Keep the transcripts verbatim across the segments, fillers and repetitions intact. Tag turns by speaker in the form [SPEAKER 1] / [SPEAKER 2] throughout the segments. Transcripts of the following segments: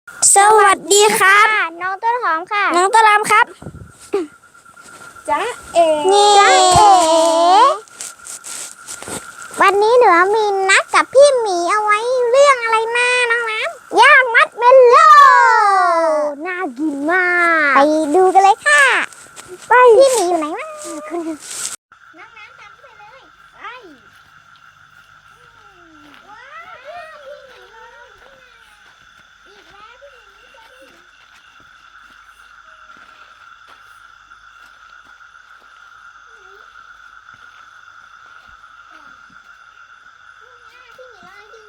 [SPEAKER 1] สวัสดีครับ
[SPEAKER 2] น้องต้นหอมค่ะ
[SPEAKER 1] น้องตะลามครับ
[SPEAKER 2] จ๊ะเอ๋
[SPEAKER 1] นี่
[SPEAKER 2] จ๊ะเอ๋วันนี้หนูมีนัดกับพี่หมีเอาไว้เรื่องอะไรนะน้องน้ำย่างมัดเมลโล่น่ากินมากไปดูกันเลยค่ะไปพี่หมีอยู่ไหนวะน้องน้ำตามไปเลยไปว้าวพี่หมีรออยู่ที่ไหนอีกแล้วพี่หมีจะดีพี่หมีรออยู่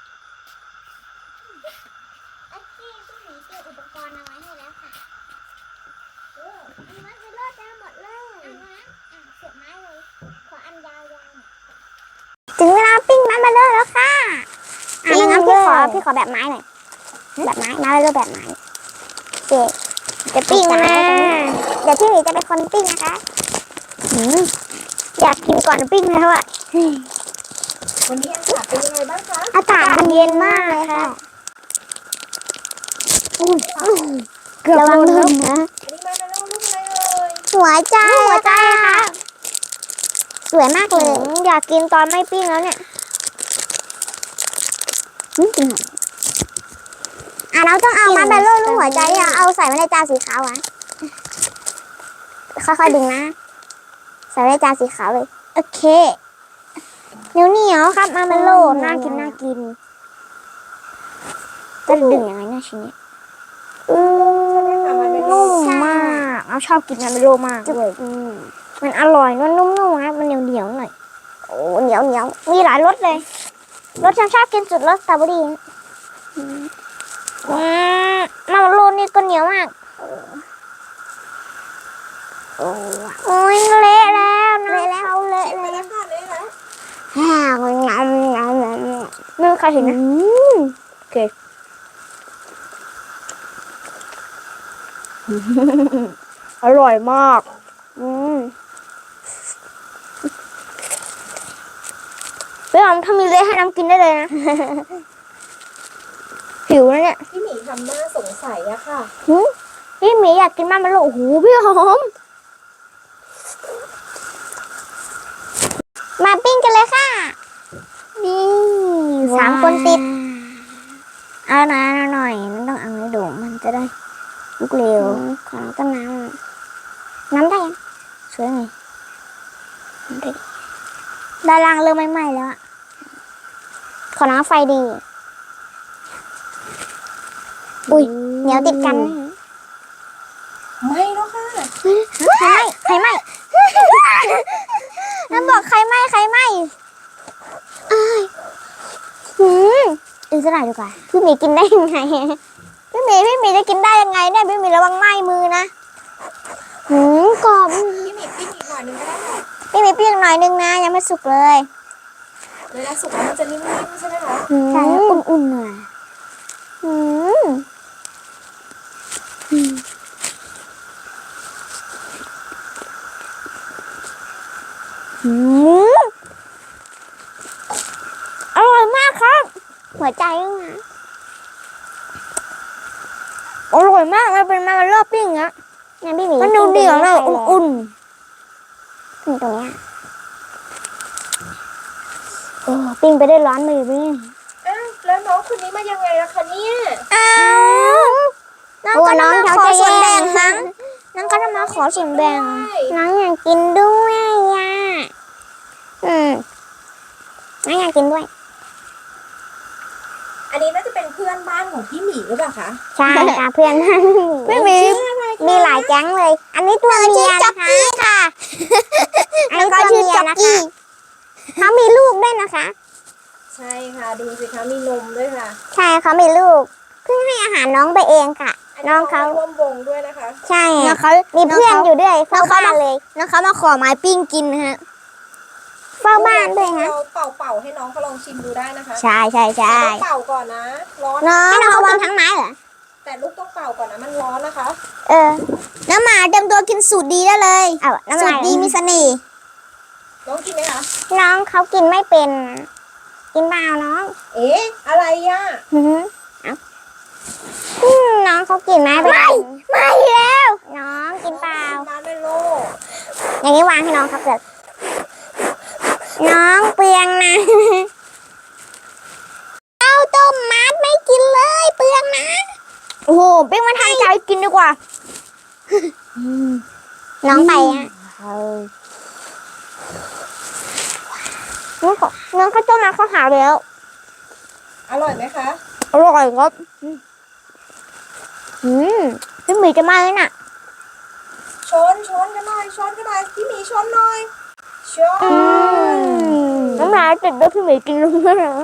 [SPEAKER 2] โอเคพี่หมีเตรียมอุปกรณ์เอาไว้ให้แล้วค่ะโอ้มีมัดไปรอดได้หมดเลยเอานะอ่ะเสียบไม้เลยขออันยาวๆถึงเวลาปิ้งมัดไปเลยแล้วค่ะอ่ะงั้นพี่ขอพี่ขอแบบไม้หน่อยแบบไม้ไม้ไปเลยแบบไม้โอเคจะปิ้งกันนะเดี๋ยวพี่หมีจะเป็นคนปิ้งนะคะอืมอยากกินก่อนปิ้งแล้วอ่ะ
[SPEAKER 3] วันนี้อากาศเป็นยังไงบ้างคะ
[SPEAKER 2] อากาศมันเย็นมากเลยค่ะเกือบวางลงนะ
[SPEAKER 3] อันนี้มาเป็นรูปอะไรเอ่ย
[SPEAKER 2] หัวใจหัวใจค่ะ สวยมากเลย อยากกินตอนไม่ปิ้งแล้วเนี่ยอ่ะเราต้องเอามาเบลโล่ลูกหัวใจอ่ะเอาใส่ไว้ในจานสีขาวอ่ะค่อยๆดึงนะ ใส่ไว้ในจานสีขาวเลย โอเคเหนียวเหนียวครับมาเบลโล่น่ากินน่ากินจะดึงยังไงเนี่ยชิ้นนี้อืมนุ่มมากเราชอบกินมาเบลโล่มากด้วยมันอร่อยนุ่มๆนะมันเหนียวเหนียวหน่อยโอ้เหนียวเหนียวมีหลายรสเลยรสฉันชอบกินสุดรสสตรอเบอรี่อืมมาเบลโล่นี่ก็เหนียวมากโอ้ยเละแล้วเละแล้วเละ
[SPEAKER 3] ชิมไป
[SPEAKER 2] แล้
[SPEAKER 3] แล้ว วค่ะเลยแล้ว
[SPEAKER 2] ฮ่างามงามงามไม่มีใครเห็นนะโอเคอร่อยมากอืมพี่หอมถ้ามีเละให้น้ำกินได้เลยนะหิวแล้วเนี่ย
[SPEAKER 3] พี่หมีทำหน้าสงสัยอะค่ะ
[SPEAKER 2] พี่หมีอยากกินมากมันเลยโอ้โหพี่หอมมาปิ้งกันเลยค่ะนี่สามคนติดเอานะหน่อยมันต้องเอาให้ดูมันจะได้ลุกเร็วของต้นน้ำน้ำได้ยังสวยไงน้ำได้ด้านล่างเริ่มไหม้ๆแล้วอะขอน้ำไฟดีอุ้ยเหนียวติดกันนะ
[SPEAKER 3] ไม่แล้วค่ะ
[SPEAKER 2] ใครไหมใครไหมนั่นบอกใครไหมใครไหมอ้ายหืมอีกสักหน่อยดีกว่าพี่หมีกินได้ยังไงพี่หมีพี่หมีจะกินได้ยังไงเนี่ยพี่หมีระวังไหม้มือนะหืมกรอบ
[SPEAKER 3] พี่หมีปิ้งอีกหน่อยนึงก็ได้ค่ะ
[SPEAKER 2] พี่หมีเปรี้ยงหน่อยนึงนะยังไม่สุกเลย
[SPEAKER 3] เวลาสุกแล้วมันจะนิ่มๆใช่ไหมคะ
[SPEAKER 2] ใช่อุ่นๆหน่อยหืมหืมอร่อยมากครับหัวใจด้วยนะอร่อยมากมันเป็นมามันรอบปิ้งอะงั้นพี่หมีมันดูเดี่ยวเลยอุ่นๆนี่ตรงเนี้ยโอ้ปิ้งไปได้ร้อนมือพี่
[SPEAKER 3] อ้าวแล้วน้องคนนี้มายังไงล่ะคะเนี่ย
[SPEAKER 2] อ้าวน้องก็น้องขอส่วนแบ่งมั้งน้องก็จะมาขอส่วนแบ่งน้องอยากกินด้วยอ่ะอืมน้องอยากกินด้วย
[SPEAKER 3] อันนี้น่าจะเป็นเพื่อนบ้านของพี่หมีหรือเปล่าคะ
[SPEAKER 2] ใช่ค่ะเพื่อนไม่มีมีหลายแก๊งเลย อันนี้ตัวเมียนะคะค่ะอันนี้ตัวเมียนะคะเขามีลูกด้วยนะคะ
[SPEAKER 3] ใช่ค่ะดูสิคะมีนมด้วยค่ะ
[SPEAKER 2] ใช่เขามีลูกเพิ่งให้อาหารน้องไปเองค่ะ น้องเขา
[SPEAKER 3] ร่วมวงด้วยนะคะ
[SPEAKER 2] ใช่น้องเขามีเพื่อนอยู่ด้วยเฝ้าบ้านเลยน้องเขามาขอไม้ปิ้งกินฮะเฝ้าบ้านด้วยฮะ
[SPEAKER 3] เราเป่าเป่าๆให้น้องเขาลองชิมดูได้นะคะ
[SPEAKER 2] ใช่ใช่ใช่
[SPEAKER 3] ต้องเป่าก่อนนะร้อน
[SPEAKER 2] น้องให้น้องเขากินทั้งไม้เหรอ
[SPEAKER 3] แต่ลูกต้องเป่าก่อนนะมันร้อนนะคะ
[SPEAKER 2] เออน้ำหมาเต็มตัวกินสูตรดีได้เลยเอาน้ำสูตรดีมีเสน่ห์
[SPEAKER 3] น้องกินไหมคะ
[SPEAKER 2] น้องเขากินไม่เป็นกินเปล่าน้อง
[SPEAKER 3] เอ๊ะอะไรอ่ะ
[SPEAKER 2] หือเอาเขากินไหมไม่ไม่แล้ว น้องกินเปล่า
[SPEAKER 3] มาร์ชเมลโล่
[SPEAKER 2] อย่างนี้วางให้น้องครับเดี๋ยวน้องเปลืองนะเอาต้มมัดไม่กินเลยเปลืองนะ
[SPEAKER 1] โอ้โหปิ้งมาทานใจกินดีกว่า
[SPEAKER 2] น้องไปอ่ะ
[SPEAKER 1] น้องเขาน้องข้าวต้มมาเขาหาแล้ว
[SPEAKER 3] อร่อยไหมคะ
[SPEAKER 1] อร่อยครับอืมพี่หมีจะมาแล้วน่ะ
[SPEAKER 3] ชนชนกันหน่อยชนกันหน่อยพี่หมีชนหน่อยชน
[SPEAKER 1] น้ำลายติดด้วยพี่หมีกินลงแล้วนะ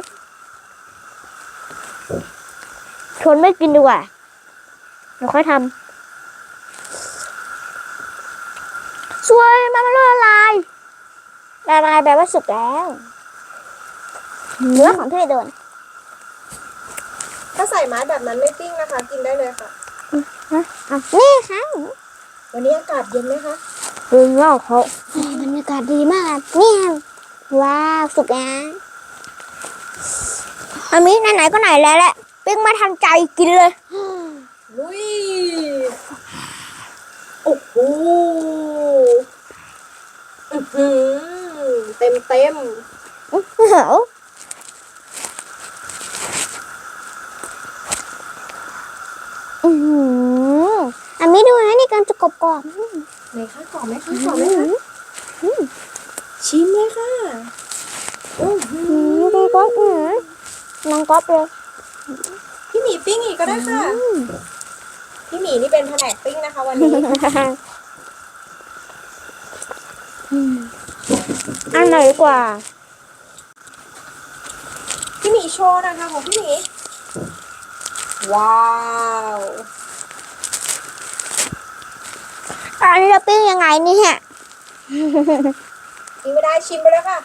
[SPEAKER 1] ชนไม่กินดีกว่าเดี๋ยวค่อยทำช่วยมามันละลายละลายแปลว่าสุกแล้วเนื้อของพี่โดน
[SPEAKER 3] ถ้าใส่ไม้แบบนั้นไม่ปิ้งนะคะ กินได้เลยค่ะ
[SPEAKER 1] อ่ะ
[SPEAKER 2] นี่ค่ะ
[SPEAKER 3] วันนี้อากาศเย็นไหมคะ
[SPEAKER 1] ดึงว่าเขา
[SPEAKER 2] บรรยากาศดีมากเนี่ยว้าวสุกนะ
[SPEAKER 1] อันนี้ไหนๆก็ไหนแล้วแหละปิ้งมาทันใจกินเลย
[SPEAKER 3] ลุยโอ้โหอื้อหือเต็มเต็ม
[SPEAKER 1] เหรออือหือ
[SPEAKER 2] อันนี้ดูนะนี่การจะกรอบกรอบ
[SPEAKER 3] ไหนคะกรอบไหมคะกรอบไหมคะชิมเลยค่ะอื้อหื
[SPEAKER 1] อืม
[SPEAKER 3] อ
[SPEAKER 1] ดูก๊อบอือน้องก๊อบเลย
[SPEAKER 3] พี่หมีปิ้งอีกก็ได้ค่ะ พี่หมีนี่เป็นแผนกปิ้งนะคะ วันนี้
[SPEAKER 1] อันไหนกว่า
[SPEAKER 3] พี่หมีโชว์นะคะของพี่หมีว้าว
[SPEAKER 1] อันนี้เราปิ้งยังไงเนี่ย
[SPEAKER 3] กินไม่ได้ชิมไปแล้วค่ะ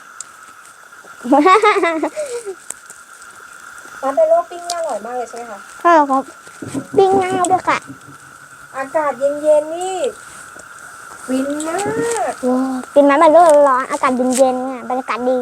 [SPEAKER 3] ร้านเดโลปิ้งนี่อร่อยมากเลยใช่ไหมคะ
[SPEAKER 1] ใช่ครับปิ้งง่ายด้วยค่ะ
[SPEAKER 3] อากาศเย็นๆนี่ฟินมาก
[SPEAKER 1] ว้าวกินน้ำมันร้อนร้อนอากาศเย็นๆเนี่ยบรรยากาศดี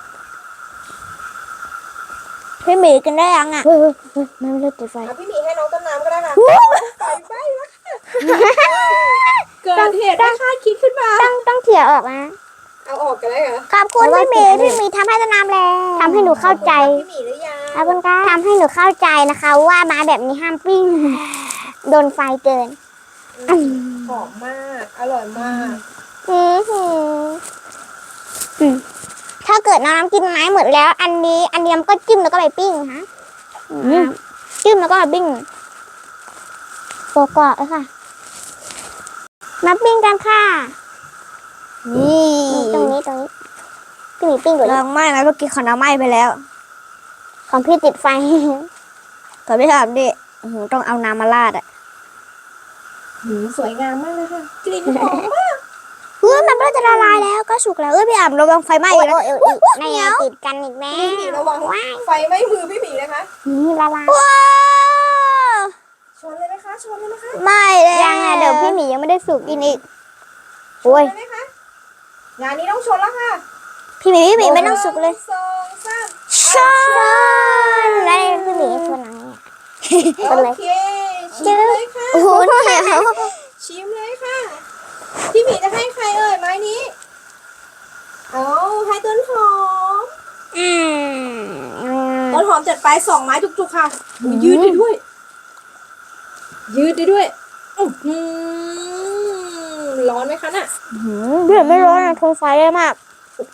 [SPEAKER 1] พี่หมีกินได้ยังอ่ะเฮ้ยเฮ้ยเฮ้ยไม่เลิกติดไฟ
[SPEAKER 3] เอาพี่หมีให้น้องต้นน้ำก็ได้ค่ะไฟไหม้แล้วค่ะเกิดเหตุไม่คาดคิดขึ้นมา
[SPEAKER 1] ต้องต้องเขี่ยออกนะ
[SPEAKER 3] เอาออกกันได้เหรอ
[SPEAKER 2] ขอบคุณพี่หมีพี่หมีทำให้ต้นน้ำแล้ว
[SPEAKER 1] ทำให้หนูเข้าใจ
[SPEAKER 3] พี่หมีหรือยัง
[SPEAKER 2] ขอบคุณค่ะทำให้หนูเข้าใจนะคะ ว่าไม้แบบนี้ห้ามปิ้งโดนไฟเกิน
[SPEAKER 3] หอมมากอร่อยมาก
[SPEAKER 2] อือหือถ้าเกิดน้องน้ำกินไม้หมดแล้ว อันนี้ อันนี้มันก็จิ้มแล้วก็ไปปิ้งฮะจิ้มแล้วก็ไปปิ้งกรอบๆเลยค่ะมาปิ้งกันค่ะ
[SPEAKER 1] นี่
[SPEAKER 2] ตรงนี้ตรงนี้พี่หมีปิ้งก่อน
[SPEAKER 1] ลองไหม้ไหมเมื่อกี้ขอน้ำไหม้ไปแล้ว
[SPEAKER 2] ของพี่ติดไฟ
[SPEAKER 1] ขอพี่ถามดิโอ้โหต้องเอาน้ำมาราดอ่ะ
[SPEAKER 3] หืมสวยงามมากเลยค่ะกลิ่นหอมมาก
[SPEAKER 1] เฮ้ยมันก็จะละลายแล้วก็สุกแล้วเอ้ยพี่อ่ำระวังไฟไหม้
[SPEAKER 2] โอ้
[SPEAKER 1] อี
[SPEAKER 2] ย
[SPEAKER 1] กนะ
[SPEAKER 2] โอ้ยโอ้ยในไงติดกันอีกแม่
[SPEAKER 3] พี่หมีระวังไฟไหม้มือพี่หมีนะคะ
[SPEAKER 2] นี่ละลาย
[SPEAKER 1] ว้าว
[SPEAKER 3] ชนเลยไหมคะชนเลยไหมคะ
[SPEAKER 1] ไม่เลย
[SPEAKER 2] ยังไงเดี๋ยวพี่หมียังไม่ได้สุก
[SPEAKER 1] กินอีก
[SPEAKER 3] ช
[SPEAKER 1] โอ้
[SPEAKER 3] น
[SPEAKER 1] ย
[SPEAKER 3] เลยไหมคะงานนี้ต้องชนแล้วค่ะ
[SPEAKER 1] พี่หมีพี่หมีไม่ต้องสุกเลย
[SPEAKER 3] หนึ่งสองสาม
[SPEAKER 1] ชน
[SPEAKER 2] แล้วพี่หมีชวนหนังเนี่ย เป็นไร
[SPEAKER 3] โอเคชิมเลยค่ะ
[SPEAKER 1] โอ้โหเหนียว
[SPEAKER 3] ชิมเลยค่ะ พี่หมีจะให้ใครเอ่ยไม้นี้ เอาให้ต้นหอม
[SPEAKER 2] อืม
[SPEAKER 3] ต้นหอมจัดไปสองไม้จุกๆค่ะอุ๊ยยืดได้ด้วย ยืดได้ด้วยอื้อหือร้อนไหมคะน่ะ
[SPEAKER 1] หืมพี่ไม่ร้อนนะทนไฟได้มาก
[SPEAKER 3] โอ้โห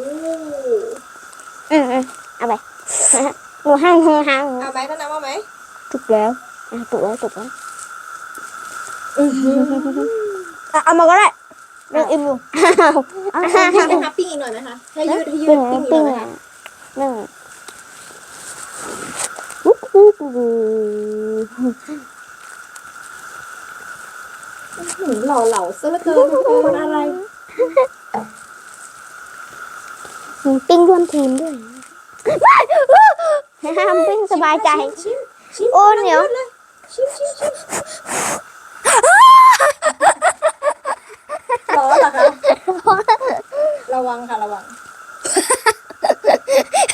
[SPEAKER 2] อืมอืมเอาไป หนูห้างห้างห้าง
[SPEAKER 3] เอาไหมต้นน้ำเอาไหม
[SPEAKER 1] จุกแล้ว
[SPEAKER 2] อ่ะตุกแล้วตุกแล้ว
[SPEAKER 3] อื้อหือ
[SPEAKER 1] อ่ะเอามาก็ได้เรื่องอิ่มอยู่
[SPEAKER 3] เอาให้นะคะปิ้งอีกหน่อยไหมคะให้ยืดให้ยื
[SPEAKER 2] ปิ้
[SPEAKER 3] ด
[SPEAKER 2] ง
[SPEAKER 3] ปิ้งอีกห
[SPEAKER 2] ปิ้
[SPEAKER 3] น่
[SPEAKER 2] ง
[SPEAKER 3] อยไหม
[SPEAKER 2] อ่ะ
[SPEAKER 3] คะ
[SPEAKER 2] หนึ่ง
[SPEAKER 3] หืมหล่อเหลาซะเหลือเกินคนอะไร
[SPEAKER 2] ปิ้งร่วมทีมด้วยห้ามปิ้งสบายใจ
[SPEAKER 3] ชิมชิม
[SPEAKER 1] โอ้เหนียว
[SPEAKER 3] เลยชิมชิมชิมร้อนเหรอคะระวังค่ะระวัง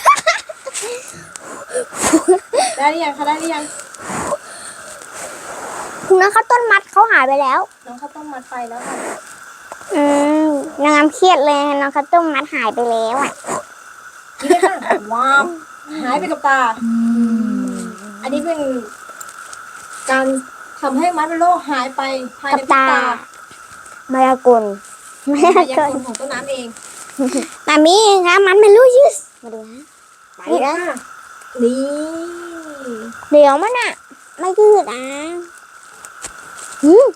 [SPEAKER 3] ได้หรือยังคะได้หรือยัง
[SPEAKER 1] น้องข้าวต้นมัดเขาหายไปแล้ว
[SPEAKER 3] น้องข้าวต้มมัดไปแล้วค่ะ
[SPEAKER 1] อืมนางงามเครียดเลยน้องข้าวต้มมัดหายไปแล้วอ่ะ
[SPEAKER 3] นี่เลยค่ะว้าวหายไปกับตา อันนี้เป็นการทำให้มัดเมลโล่หายไปภายใน
[SPEAKER 1] กับ
[SPEAKER 3] พริบ
[SPEAKER 1] ตา
[SPEAKER 3] ตาม
[SPEAKER 1] ายากลมายาม
[SPEAKER 3] ายาก
[SPEAKER 1] ก
[SPEAKER 3] ล
[SPEAKER 1] ล
[SPEAKER 3] ของต้นน้ำเอง
[SPEAKER 1] มามีคะมันไม่รู้ยืสมาดูนะ
[SPEAKER 3] ไปค่ะนี่
[SPEAKER 1] เดี๋ยวมันอ่ะ ไม่ยืดอ่ะหืม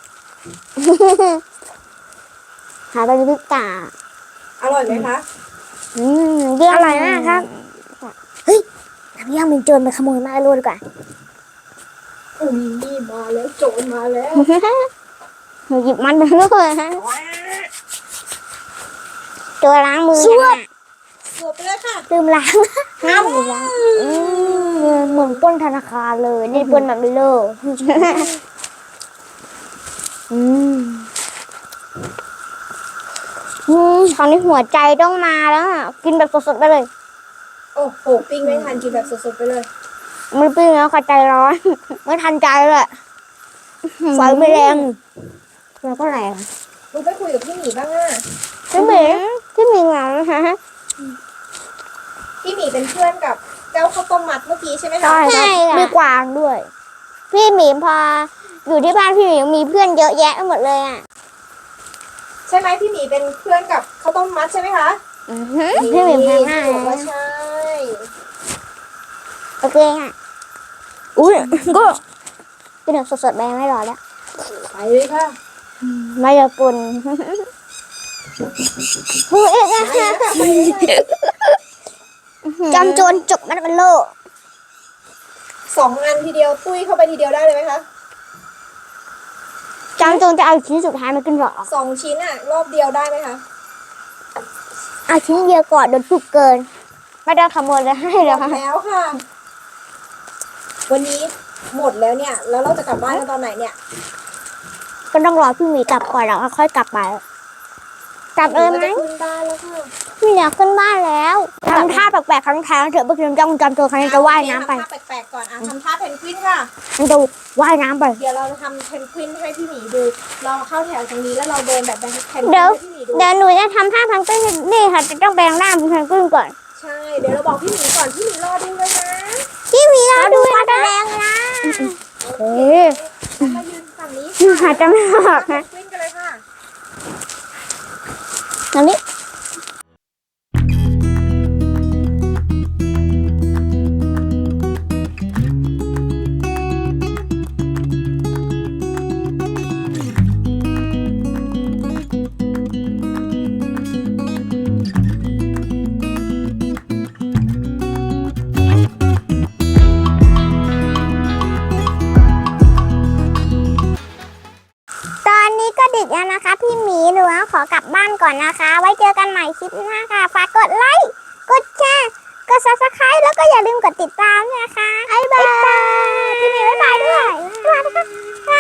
[SPEAKER 1] หายไปในพริบตา
[SPEAKER 3] อร่อยไหมคะ
[SPEAKER 1] อืมเยี่ยมอร่อยมากครับ เฮ้ยน้ำย่างมันโจรไปขโมยมาแล้วดีกว่า
[SPEAKER 3] อุ้ยนี่มาแล้วโจรมาแล้ว
[SPEAKER 1] หยิบมันไปเลยฮะตัวล้างมือ
[SPEAKER 3] สวบ
[SPEAKER 1] น่ะ
[SPEAKER 3] สวบไปเลยค่ะ
[SPEAKER 1] ลืมล้างห้ามลืมล้างอืมเหมือนปล้นธนาคารเลย นี่ปล้นแบบไม่เลิกอืมอืมคราวนี้หัวใจต้องมาแล้วอะกินแบบสดๆไปเลย
[SPEAKER 3] โอ้โหปิ้งไม่ทันกินแบบสดๆไปเลย
[SPEAKER 1] ไม่ปิ้งแล้วค่ะใจร้อน ไม่ทันใจเลยไฟไม่แรงแล้วก็แรง
[SPEAKER 3] มึงไปคุยกับพี่หมีบ้างอ่ะ
[SPEAKER 1] พี่หมีพี่หมีเหงาฮะ
[SPEAKER 3] พี่หมีเป็นเพื่อนกับเจ้าข้าวต้มมัดเมื่อกี้ใช่ไหมคะ
[SPEAKER 1] ใช่ครับมีกวางด้วย พี่หมีพออยู่ที่บ้านพี่หมีมีเพื่อนเยอะแยะไปหมดเลยอ่ะ
[SPEAKER 3] ใช่ไหมพี่หมีเป็นเพื่อนกับข้าวต้มมัดใช่ไหมคะ
[SPEAKER 1] อือหือพี่หมีแพงมาก
[SPEAKER 3] บอกว่าใช่
[SPEAKER 1] โอเคค่ะอุ้ยก็กินแบบสดๆไปไม่รอแล้ว
[SPEAKER 3] ไปเลยค่ะ
[SPEAKER 1] มายากลหูเอ๊ะจำโจรจกมันเป็นโล
[SPEAKER 3] สองอันทีเดียวตุ้ยเข้าไปทีเดียวได้เลยไหมคะ
[SPEAKER 1] จำโจรจะเอาชิ้นสุดท้ายมากินหรอ
[SPEAKER 3] สองชิ้นอ่ะ รอบเดียวได้ไหมคะ
[SPEAKER 1] เอาชิ้นเดียวก่อนโดนจุกเกิน ไม่ได้ขโมยเลยให้
[SPEAKER 3] หม
[SPEAKER 1] แล้ว
[SPEAKER 3] ดแล้วค่ะ วันนี้หมดแล้วเนี่ย แล้วเราจะกลับบ้านกันตอนไหนเนี่ย
[SPEAKER 1] ก็ต้องรอพี่หมีกลับก่อนแล้วค่อยกลับไปกลับเลยไหม
[SPEAKER 3] จะขึ้นบ้านแล้วค่ะ
[SPEAKER 1] ไม่อยากขึ้นบ้านแล้วทำท่าแปลกๆครั้งแท้งเถอะเมื่อกี้จำจำตัวครั้งนี้จะว่ายน้ำไป
[SPEAKER 3] ทำท่าแปลกๆก่อนอ่ะทำท่าเพนกวินค่ะ
[SPEAKER 1] มันจะว่ายน้ำไป
[SPEAKER 3] เดี๋ยวเราจะทำเพนกวินให้พี่หมีดู เราเข้าแถวตรงนี้แล้วเราเดินแบบเพนกวิน
[SPEAKER 1] เดี๋ยว
[SPEAKER 3] ให้พี่หมีดู
[SPEAKER 1] เดี๋ยวหนูจะทำท่าพังกิ้งนี่ค่ะจะต้องแปลงร่างเป็นพังกิ้งก่อน
[SPEAKER 3] ใช่ เดี๋ยวเราบอกพี่หมีก่อนพี่หมีรอดูเลยนะ
[SPEAKER 1] พี่หมีรอดูการแสดงนะเฮ้ย
[SPEAKER 3] แล้วมายืนฝั่งนี้
[SPEAKER 1] อาจจะไม่ออก
[SPEAKER 3] เพ
[SPEAKER 1] นะ
[SPEAKER 3] นกวินกันเลยค่ะ
[SPEAKER 1] ตรงนี้ตอนนี้ก็ดึกแล้วนะคะ พี่หมีหนูขอกลับบ้านก่อนนะคะ ไว้เจอกันใหม่คลิปหน้าค่ะ ฝากกดไลค์กดแชร์กดซับสไครต์แล้วก็อย่าลืมกดติดตามด้วยนะคะบ๊ายบายพี่หมีบ๊ายบายด้วยบ๊ายบายนะคะ